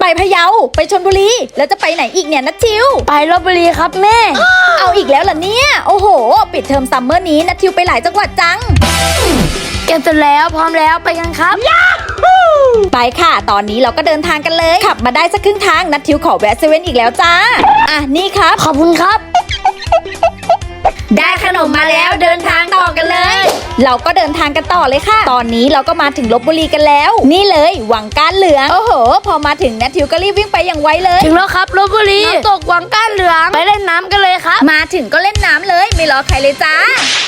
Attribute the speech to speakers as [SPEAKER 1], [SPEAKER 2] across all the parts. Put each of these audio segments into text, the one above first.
[SPEAKER 1] ไปพะเยาไปชลบุรีแล้วจะไปไหนอีกเนี่ยนัททิว
[SPEAKER 2] ไปลพบุรีครับแม่
[SPEAKER 1] เอาอีกแล้วเหรอเนี่ยโอ้โหปิดเทอมซัมเมอร์นี้นัททิวไปหลายจังหวัดจัง
[SPEAKER 2] เก็บเสร็จแล้วพร้อมแล้วไปกันครับ
[SPEAKER 1] ไปค่ะตอนนี้เราก็เดินทางกันเลยขับมาได้สักครึ่งทางนัททิวขอแวะเซเว่นอีกแล้วจ้าอ่ะนี่ครับ
[SPEAKER 2] ขอบคุณครับ
[SPEAKER 1] ได้ขนมมาแล้วเดินทางต่อกันเลยเราก็เดินทางกันต่อเลยค่ะตอนนี้เราก็มาถึงลพบุรีกันแล้วนี่เลยวังก้านเหลืองโอ้โหพอมาถึงนัททิวก็รีบวิ่งไปอย่างไวเลย
[SPEAKER 2] ถึงแล้วครับลพบุรีน้ำตกวังก้านเหลืองไปเล่นน้ำกันเลยครับ
[SPEAKER 1] มาถึงก็เล่นน้ำเลยไม่รอใครเลยจ้า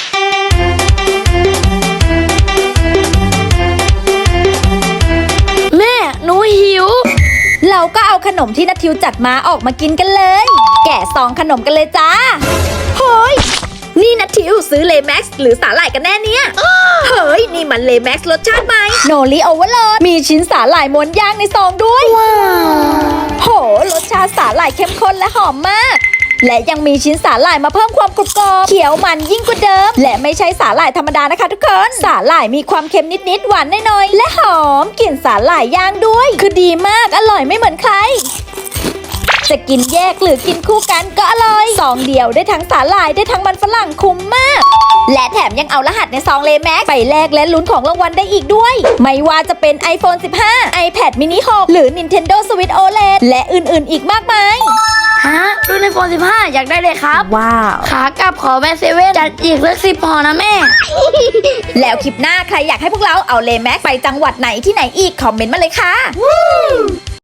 [SPEAKER 2] แม่หนูหิว
[SPEAKER 1] เราก็เอาขนมที่นัททิวจัดมาออกมากินกันเลยแกะซองขนมกันเลยจ้าเฮ้ยนี่นัททิวซื้อเลแม็กซ์หรือสาหร่ายกันแน่เนี่ยเฮ้ยนี่มันเลแม็กซ์รสชาติใหม่โนริโอเวอร์โหลดมีชิ้นสาหร่ายม้วนย่างในซองด้วยว้าวโหรสชาติสาหร่ายเข้มข้นและหอมมากและยังมีชิ้นสาหร่ายมาเพิ่มความกรุบกรอบเขียวมันยิ่งกว่าเดิมและไม่ใช่สาหร่ายธรรมดานะคะทุกคนสาหร่ายมีความเค็มนิดๆหวานน้อยๆและหอมกลิ่นสาหร่ายย่างด้วยคือดีมากอร่อยไม่เหมือนใครจะกินแยกหรือกินคู่กันก็อร่อยซองเดียวได้ทั้งสาหร่ายได้ทั้งมันฝรั่งคุ้มมากและแถมยังเอารหัสในซองเลแม็กไปแลกและลุ้นของรางวัลได้อีกด้วยไม่ว่าจะเป็น iPhone 15 iPad mini 6 หรือ Nintendo Switch OLED และอื่นๆอีกมากมาย
[SPEAKER 2] ฮะรุ่นiPhone 15อยากได้เลยครับ
[SPEAKER 1] ว้าว
[SPEAKER 2] ขากลับขอแวะเซเว่นจัดอีกสัก10ห่อนะแม่
[SPEAKER 1] แล้วคลิปหน้าใครอยากให้พวกเราเอาเลแม็กไปจังหวัดไหนที่ไหนอีกคอมเมนต์มาเลยค่ะ